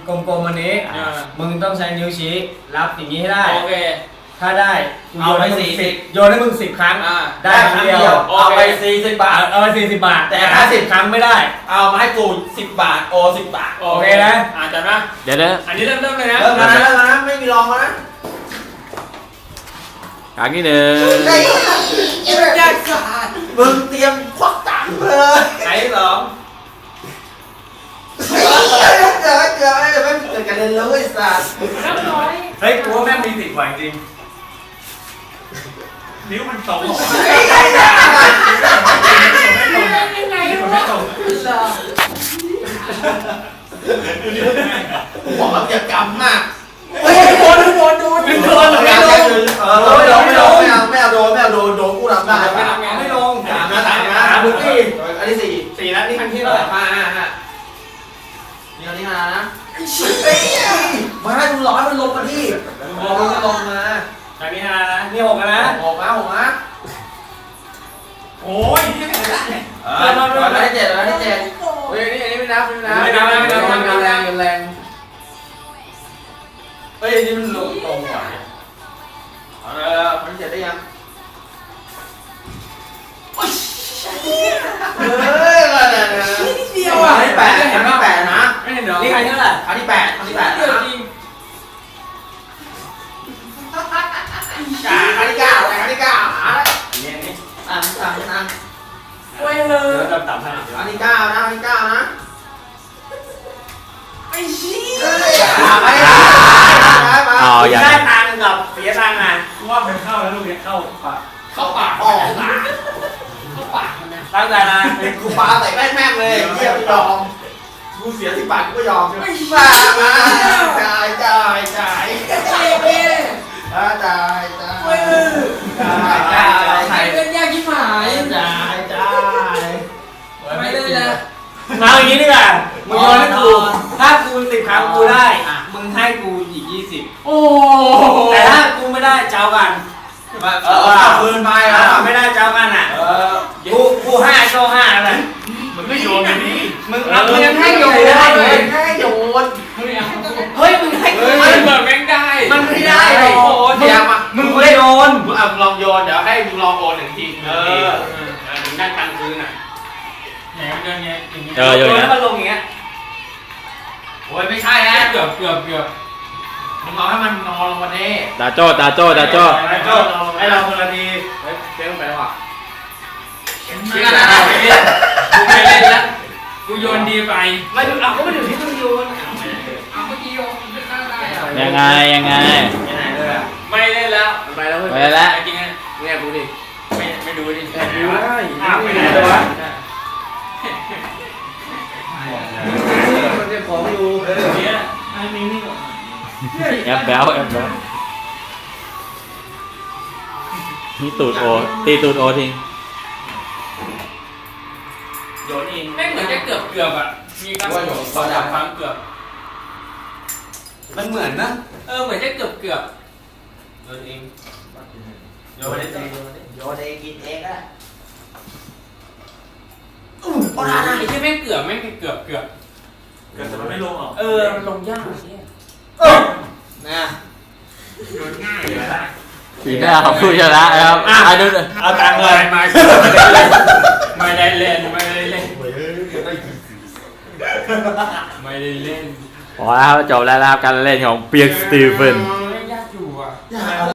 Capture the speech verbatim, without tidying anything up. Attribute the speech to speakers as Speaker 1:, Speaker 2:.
Speaker 1: กลมๆวันนี้มึงต้องใช้นิ้วชี้รับอย่างนี้ให้ได้โอเคถ้าได้โยนให้มึงสิบโยนให้มึงสิบครั้งได้ครั้งเดียวเอาไปสี่สิบบาทเอาไปสี่สิบบาทแต่ถ้าสิบครั้งไม่ได้เอามาให้กูสิบบาทโอสิบบาทโอเคนะอาจารย์นะ
Speaker 2: เดี๋ยวเดี๋ยว
Speaker 1: อันนี้เริ่มเริ่มเลยนะเริ่มนะเริ่มนะไม่มีรองนะ
Speaker 2: ครั้งที่หนึ่ง
Speaker 1: ยากขาดมึงเตรียมควักตังค์เลยไหนสองเจอเจอไม่ไม่เกิดกันเลยเลยสัตว์เฮ้ยกูว่าแม่งมีสิทธิ์ไหวจริงนิ้วมันตรงยังไงวะบอกแบบอย่ากำมากเฮ้ยโดนโดนโดนโดนไม่ลงเออไม่ลงไม่ลงไม่เอาไม่เอาโดนไม่เอาโดนโดนกูทำได้ไม่ทำงานไม่ลงสามนะสามนะสามพื้นที่อันนี้สี่สี่แล้วนี่ครั้งที่เท่าไหร่ห้าห้าห้านี่อันนี้ห้านะมาให้ดูร้อยมันลงมาที่มองมันก็ลงมาครั้งที่ห้านะนี่หกนะหกนะหกนะโอ้ยนี่ไม่ได้เออมาได้เจ็ดมาได้เจ็ดเฮ้ยนี่อันนี้ไม่นับไม่นับไม่นับไม่นับไม่นับแรงแรงเฮ้ยนี่มันลงตรงว่ะเออมันเสร็จได้ยังเฮ้ยอะไรเนี่ยนี่เดียวอ่ะที่แปดครั้งที่แปดนะไม่เห็นหรอนี่ใครเท่าไหร่ครั้งที่แปดครั้งที่แปดนะจ่าครั้งที่เก้าครั้งที่เก้าหาแล้วนี่นี่อ่านอ่านอ่านเว้ยเลยเดี๋ยวต่ำให้ครั้งที่เก้านะครั้งที่เก้านะไอ้ชี้ไม่ได้
Speaker 2: อ๋ออย่า
Speaker 1: ได้ตังค์กับเสียตังค์อ่ะว่าเป็นเข้าแล้วลูกเนี้ยเข้าปากเข้าปากออกปากเข้าปากมันนะตั้งใจนะเป็นกูปาใส่แม่งแม่งเลยเยี่ยมยอมกูเสียสิบบาทกูก็ยอมไม่มามาจ่ายจ่ายจ่ายจ่ายจ่ายจ่ายจ่ายจ่ายใครเป็นยากยิ่งหายจ่ายจ่ายไม่ได้เลยมาอย่างนี้ดีกว่ามึงโยนให้กูถ้ากูสิบครั้งกูได้มึงให้กูอีกยี่สิบโอ้แต่ถ้ากูไม่ได้เจ้ากันเออเอาคืนไปแล้วไม่ได้เจ้ากันอ่ะกูกูห้าโซ่ห้าอะไรมึงก็โยนแบบนี้มึงเอามึงยังให้โยนได้เลยให้โยนเฮ้ยมึงให้กูมันเหมือนแม่งได้มันไม่ได้โอ้ยมึงมึงไม่โยนมึงเอาลองโยนเดี๋ยวให้มึงลองโอนหนึ่งทีเออมึงได้ตังค์คืนอ่ะ
Speaker 2: เออโยนนะ
Speaker 1: มันลงอย่างเงี้ยโอ้ยไม่ใช่นะเกือบเกือบเกือบมึงเอาให้มันนอนลงมาเน่
Speaker 2: ตาโจ้ตาโจ้ตาโจ้
Speaker 1: ตาโจ้ให้เราคนละทีเฮ้ยเจ๊ลงไปแล้วอ่ะไม่ได้ไม่เล่นกูไม่เล่นแล้วกูโยนดีไปไม่เอาก็ไม่ถึงที่ต้องโยนเอาเมื่อกี้โยนได้
Speaker 2: ยังไงยังไง
Speaker 1: ยังไงเลยไม่เล่นแล้วไปแล้ว
Speaker 2: ไปแล้ว
Speaker 1: จริงไงเนี่ยดูดิไม่ไม่ดูดิดูอ้าวไปไหนเลยวะมันจะของอยู่เนี่ยไอ้นี่นี่ก่อน
Speaker 2: แอบแบลแอบแบลนี่ตูดโอตีตูดโอทิ้ง
Speaker 1: โยนเองแม่งเหมือนจะเกือบเกือบอ่ะมีการโยนสองสามครั้งเกือบมันเหมือนนะเออเหมือนจะเกือบเกือบโยนเองโยนเองโยนเองกินเองอ่ะอู้โอ้ยไอ้ที่แม่งเกือบแม่งเกือบเกือบเกือบแต่มันไม่ลงหรอเออมันลงยากเนี่ยเออนะโยนง่ายเลยนะ
Speaker 2: สีหน้าของผู้ชนะครับอ่ะดู
Speaker 1: เอาตังค์เลยมาไม่ได้เล่นไม่ได้เล่นไม่ได้เล่น
Speaker 2: พอแล้วจบแล้วนะครับการเล่นของเปียกสตีเฟน
Speaker 1: ยากอยู่อ่ะ